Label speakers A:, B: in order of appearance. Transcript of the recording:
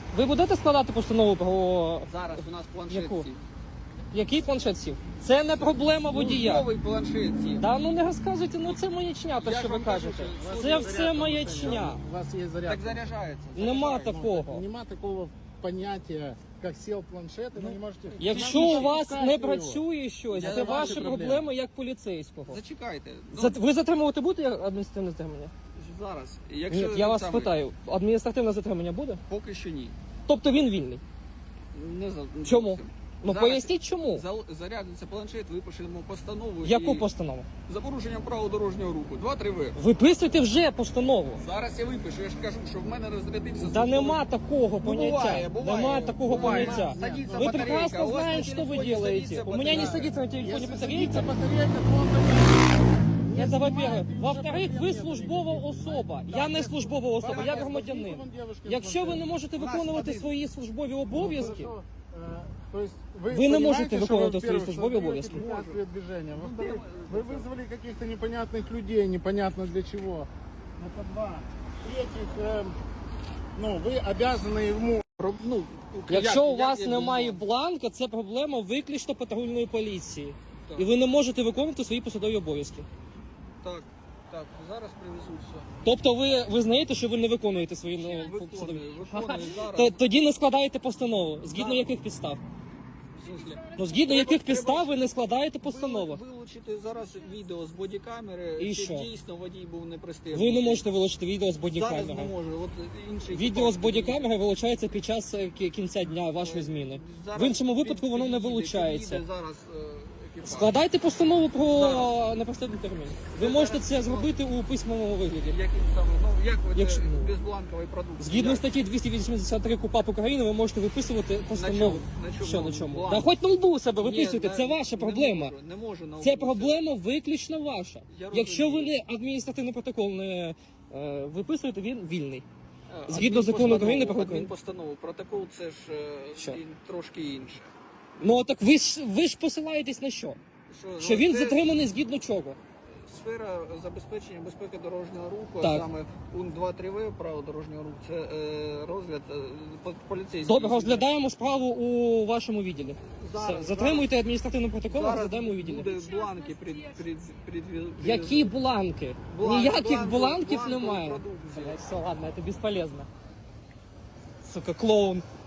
A: Ви будете складати постанову про...
B: Зараз у нас планшет
A: Яку?
B: сів.
A: Який планшет сів? Це не проблема водія.
B: Новий планшет сів.
A: Да ну не розказуйте, ну це маячня, те,
B: Я
A: що
B: ж
A: ви
B: вам кажу,
A: кажете.
B: що
A: Це все маячня.
C: У вас есть зарядка.
B: Так заряджається.
A: Нема
B: Заряджається.
A: такого.
C: Нема такого понятия, как сел планшет, и вы не можете...
A: Якщо у вас не працює щось,
B: Я
A: це
B: ваші
A: ваші
C: проблеми.
A: проблеми як поліцейського.
B: Зачекайте. Ну,
A: Ви затримувати будете адміністративне затримання?
B: зараз.
A: Ні,
B: Якщо
A: я вас
B: саме-
A: питаю, адміністративне затримання буде?
B: Поки що ні.
A: Тобто він вільний.
B: Не за...
A: Чому?
B: зовсім.
A: Ну
B: Зараз
A: поясніть чому.
B: Зарядиться планшет, випишемо постанову.
A: Яку
B: і...
A: постанову?
B: За порушенням правил дорожнього руху. 2-3 В.
A: Виписуйте вже постанову.
B: Зараз я випишу, я ж кажу, що в мене розрядився...
A: Да
B: службовий-
A: нема такого поняття.
B: бывает.
A: Нема такого
B: Бывает.
A: поняття.
B: Садится
A: Вы
B: батарейка,
A: прекрасно
B: у вас
A: знаете,
B: на
A: что вы
B: телефоне
A: делаете.
B: садится
A: У меня не
B: батарейка.
A: садится на телефоне
C: Если
A: батарейка.
C: садится батарейка, то он
A: Это во-первых. Во-вторых, ви службова особа. Я не службова особа, я громадянин. Якщо ви не можете виконувати свої службові обов'язки, Ви не можете виконувати свої службові обов'язки.
C: Движения. Во-вторых, вы вызвали каких-то непонятных людей, непонятно для чего. Это два. В-третьих, ну, вы обязаны ему...
B: Ну,
A: якщо у
B: як
A: вас
B: я
A: немає
B: думаю?
A: бланка, це проблема виключно патрульної поліції.
B: Так.
A: І ви не можете виконувати свої посадові обов'язки.
B: Так, зараз привезуть все.
A: Тобто ви визнаєте, що ви не виконуєте свої посадові.
B: Виконую зараз.
A: Тоді не складаєте постанову. Згідно яких підстав?
B: В смислі?
A: Ну, згідно яких
B: Треба-
A: підстав ви не складаєте постанову?
B: Вилучити зараз відео з бодікамери,
A: І
B: чи
A: що?
B: дійсно водій був непристебнутий.
A: Ви не можете вилучити відео з
B: Зараз
A: бодікамери.
B: не можу. От інший
A: Відео з
B: екіпаж
A: бодікамери вилучається під час кінця дня вашої зміни.
B: Зараз
A: В іншому випадку воно не
B: під'їде
A: вилучається.
B: зараз екіпаж.
A: Складайте постанову про
B: Зараз.
A: непростий термін. Ви можете це зробити у письмовому вигляді.
B: Яким саме? Ну, як ви
A: Якщо-
B: це безбланковий продукт?
A: Згідно
B: Як?
A: статті 283 КУпАП України ви можете виписувати постанову.
B: На чому?
A: Що на чому?
B: Бланк.
A: Да хоч на лбу себе
B: Ні,
A: виписуйте, це ваша проблема.
B: Не можу на
A: Це
B: вулиці.
A: проблема виключно ваша.
B: Я
A: Якщо ви
B: розумію.
A: не адміністративний протокол не виписуєте, він вільний.
B: А,
A: Згідно закону України про
B: адмінпостанову. Протокол це ж
A: Що?
B: трошки інше.
A: Ну так ви ж посилаєтесь на що? Що він
B: це
A: затриманий згідно чого?
B: Сфера забезпечення безпеки дорожнього руху,
A: Так.
B: а саме пункт 2.3 В правил дорожнього руху, це розгляд поліцейський.
A: Добре, розглядаємо справу у вашому відділі.
B: Зараз,
A: Все, затримуйте адміністративний протокол,
B: Зараз
A: розглядаємо у відділі.
B: буде бланки
A: Які бланки?
B: Бланк-
A: Ніяких
B: бланк-
A: бланків
B: бланкової
A: немає.
B: продукції.
A: Блядь, все, ладно, це безполезно. Сука, клоун.